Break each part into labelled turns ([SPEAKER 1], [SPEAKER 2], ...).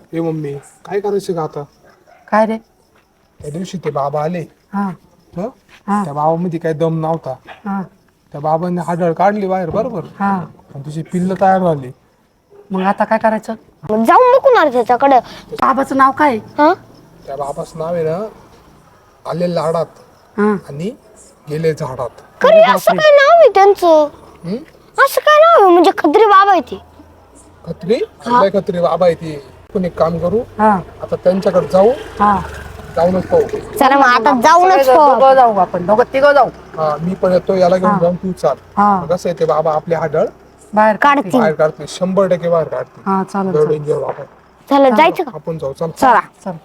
[SPEAKER 1] ए mummy, काय करायचं का आता?
[SPEAKER 2] काय रे?
[SPEAKER 1] त्या दिवशी ते बाबा आले.
[SPEAKER 2] हा
[SPEAKER 1] हं?
[SPEAKER 2] हा
[SPEAKER 1] त्या बाबामध्ये काही दम नव्हता.
[SPEAKER 2] हा
[SPEAKER 1] त्या बाबांनी हाडळ काढली बाहेर, बरोबर,
[SPEAKER 2] हा
[SPEAKER 1] आणि तुझी पिल्ल तयार झाली.
[SPEAKER 2] मग आता काय करायचं?
[SPEAKER 3] मग जाऊन बघू ना त्याच्याकडे.
[SPEAKER 2] बाबाचं नाव काय?
[SPEAKER 3] हा
[SPEAKER 1] त्या बाबाचं नाव आहे ना, आले लाडात
[SPEAKER 2] हा
[SPEAKER 1] आणि गेले झाडात.
[SPEAKER 3] खरी असं काय नाव आहे त्यांचं?
[SPEAKER 1] हं?
[SPEAKER 3] असं काय नाव आहे म्हणजे खत्री बाबा आहे ते?
[SPEAKER 1] खत्री आपल्या खत्री बाबा आहे ती. आपण एक काम करू,
[SPEAKER 2] हा
[SPEAKER 1] आता त्यांच्याकडे जाऊ,
[SPEAKER 2] हा
[SPEAKER 1] जाऊनच पाहू.
[SPEAKER 3] चला मग आता जाऊनच पाहू.
[SPEAKER 2] दोघं जाऊ आपण, दोघं तिघं जाऊ.
[SPEAKER 1] हा, मी पण येतो, याला घेऊन
[SPEAKER 2] हा.
[SPEAKER 1] जाऊन तू चाल.
[SPEAKER 2] हा.
[SPEAKER 1] मग कसं आहे, ते बाबा आपले हाडळ
[SPEAKER 2] बाहेर
[SPEAKER 3] काढतील.
[SPEAKER 1] बाहेर काढतील, 100% बाहेर काढतील.
[SPEAKER 2] हा चालेल
[SPEAKER 1] लय
[SPEAKER 2] चालेल.
[SPEAKER 1] डेंजर बाबा.
[SPEAKER 3] चला जायचं का?
[SPEAKER 1] आपण जाऊ, चल.
[SPEAKER 3] चला.
[SPEAKER 2] चल.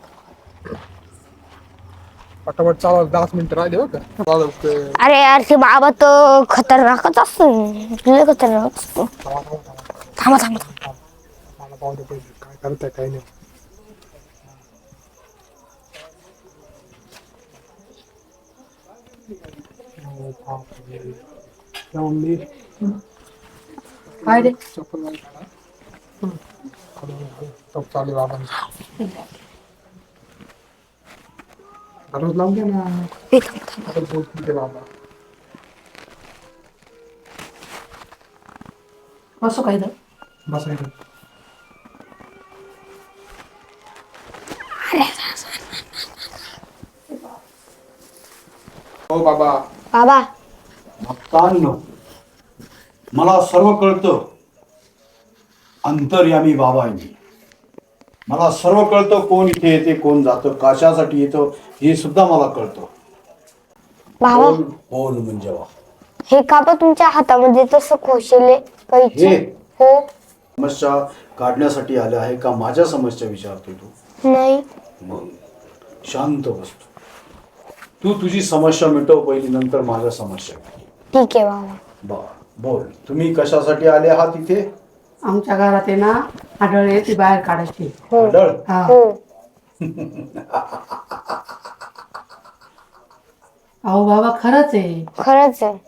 [SPEAKER 1] पटापट चालव, 10 मिनिटं राहिले बघ. चालेल ते.
[SPEAKER 3] अरे यार ते बाबा तर खतरनाकच असतो. लय खतरनाक असतो. थांबा थांबा थांबा.
[SPEAKER 1] मला पाहू दे पहिले, काय करताय काय नाही. हो, बापरे. त्या मम्मी,
[SPEAKER 2] काय रे?
[SPEAKER 1] चप्पल नाही काढा. चप्पल चालू बाबांची. दररोज लावून घ्या ना.
[SPEAKER 3] ए, थांबा थांबा.
[SPEAKER 1] आता बोलतील ते बाबा.
[SPEAKER 2] असं काय झालं?
[SPEAKER 1] बसायचं. हो बाबा.
[SPEAKER 3] बाबा
[SPEAKER 4] भक्तांनो, मला सर्व कळतं. अंतर्यामी बाबा आहे मी. मला सर्व कळतं, कोण इथे येते, कोण जातं, कशासाठी येतं, हे सुद्धा मला कळतं.
[SPEAKER 3] बाबा
[SPEAKER 4] बोल म्हणजे वा.
[SPEAKER 3] हे का बा तुमच्या हातामध्ये तसं खोशेले कैची?
[SPEAKER 4] हे?
[SPEAKER 3] हो.
[SPEAKER 4] समस्या काढण्यासाठी आले आहे का माझ्या समस्या विचारतोय तू?
[SPEAKER 3] नाही.
[SPEAKER 4] मग शांत बसतो. तू तुझी समस्या मिटव पहिली, नंतर माझ्या समस्या.
[SPEAKER 3] ठीक आहे बाबा.
[SPEAKER 4] बर, बोल. तुम्ही कशासाठी आले आहात इथे?
[SPEAKER 2] आमच्या घरात आहे ना, आढळले ती बाहेर काढायची.
[SPEAKER 3] हो
[SPEAKER 4] आढळ?
[SPEAKER 2] हा.
[SPEAKER 3] हो.
[SPEAKER 2] अहो बाबा खरंच आहे.
[SPEAKER 3] खरंच आहे.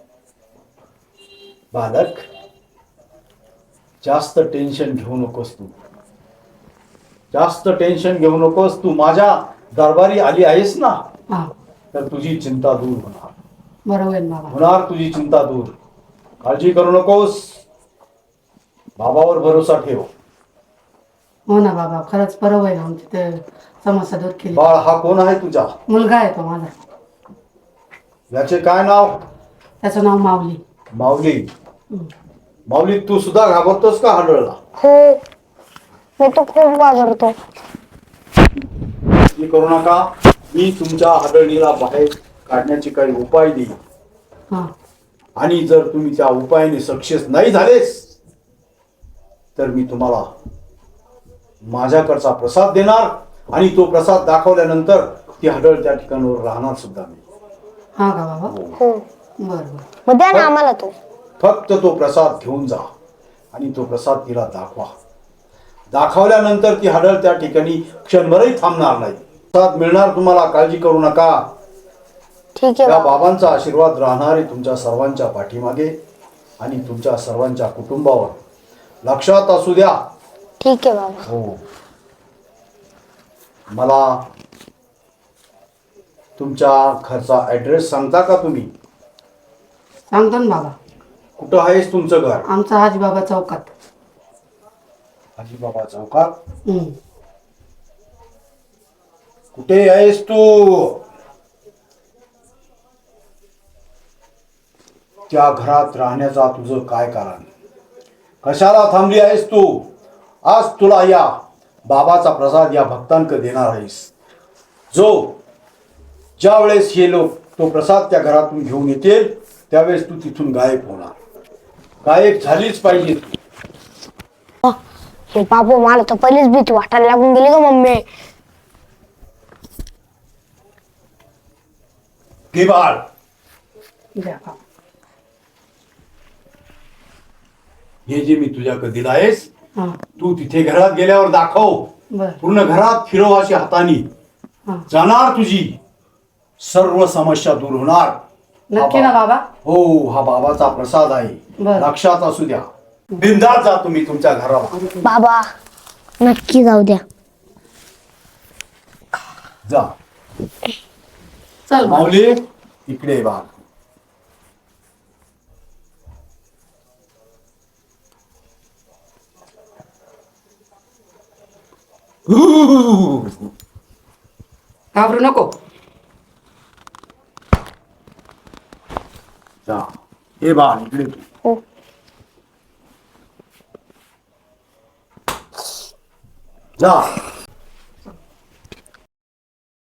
[SPEAKER 4] बालक, जास्त टेन्शन घेऊ नकोस तू. जास्त टेन्शन घेऊ नकोस. तू माझ्या दरबारी आली आहेस ना,
[SPEAKER 2] हा
[SPEAKER 4] तर तुझी चिंता दूर होणार.
[SPEAKER 2] बरोबर आहे बाबा.
[SPEAKER 4] होणार तुझी चिंता दूर. काळजी करू नकोस. बाबावर भरोसा ठेव.
[SPEAKER 2] हो ना बाबा, खरंच बरोबर आहे. आमची ते समस्या दूर केली.
[SPEAKER 4] बाळ हा कोण आहे तुझा?
[SPEAKER 2] मुलगा आहे तो माझा.
[SPEAKER 4] याचे काय नाव?
[SPEAKER 2] त्याचं नाव माऊली.
[SPEAKER 4] माऊली. माऊली, तू सुद्धा घाबरतोस का हाडळला?
[SPEAKER 3] हो. मी तो खूप घाबरतो.
[SPEAKER 4] काळजी करू नका. मी तुमच्या हाडळीला बाहेर काढण्याचे काही उपाय देईन.
[SPEAKER 2] हा
[SPEAKER 4] आणि जर तुम्ही त्या उपायाने सक्सेस नाही झालेस, तर मी तुम्हाला माझ्याकडचा प्रसाद देणार, आणि तो प्रसाद दाखवल्यानंतर ती हाडळ त्या ठिकाणावर राहणार सुद्धा मी.
[SPEAKER 2] हा का बाबा?
[SPEAKER 3] हो.
[SPEAKER 2] बरं बरं.
[SPEAKER 3] मग द्या ना आम्हाला तो.
[SPEAKER 4] फक्त तो प्रसाद घेऊन जा आणि तो प्रसाद तिला दाखवा. दाखवल्यानंतर ती हाडळ त्या ठिकाणी क्षणभरही थांबणार नाही. प्रसाद मिळणार तुम्हाला, काळजी करू नका.
[SPEAKER 3] ठीक आहे
[SPEAKER 4] या
[SPEAKER 3] बाबा.
[SPEAKER 4] बाबांचा आशीर्वाद राहणार आहे तुमच्या सर्वांच्या पाठीमागे आणि तुमच्या सर्वांच्या कुटुंबावर. लक्षात असू द्या.
[SPEAKER 3] ठीक आहे बाबा.
[SPEAKER 4] हो. मला तुमच्या घरचा ऍड्रेस सांगता का तुम्ही?
[SPEAKER 2] सांगतो ना बाबा.
[SPEAKER 4] कुठं आहेस तुमचं घर?
[SPEAKER 2] आमचा हाजीबाबा चौकात.
[SPEAKER 4] हाजीबाबा चौकात.
[SPEAKER 2] हम्म.
[SPEAKER 4] कुठे आहेस तू? त्या घरात राहण्याचा तुझं काय कारण? कशाला थांबली आहेस तू? आज तुला या बाबाचा प्रसाद या भक्तांक देणार आहेस. ज्या वेळेस हे लोक तो प्रसाद त्या घरातून घेऊन येतील, त्यावेळेस तू तिथून गायब होणार. गायब झालीच पाहिजे.
[SPEAKER 3] हे बाबू, मला तर पहिलीच भीती वाटायला लागून गेली ग मम्मी.
[SPEAKER 4] घे बाळ.
[SPEAKER 2] द्या बाबा.
[SPEAKER 4] हे जे मी तुझ्याकडे दिलं आहेस,
[SPEAKER 2] हा
[SPEAKER 4] तू तिथे घरात गेल्यावर दाखव.
[SPEAKER 2] बरं.
[SPEAKER 4] पूर्ण घरात फिरव अशी हाताने.
[SPEAKER 2] हा
[SPEAKER 4] जाणार तुझी सर्व समस्या दूर होणार.
[SPEAKER 2] नक्की ना बाबा?
[SPEAKER 4] हो, हा बाबाचा प्रसाद आहे.
[SPEAKER 2] बरं.
[SPEAKER 4] लक्षात असू द्या. बिंदास जा तुम्ही तुमच्या घराला.
[SPEAKER 3] बाबा नक्की जाऊ द्या.
[SPEAKER 4] जा.
[SPEAKER 2] चल बाळ.
[SPEAKER 4] माऊली इकडे ये बाळ.
[SPEAKER 2] घाबरू नको.
[SPEAKER 4] जा. ये बाळ इकडे.
[SPEAKER 3] हो.
[SPEAKER 4] जा.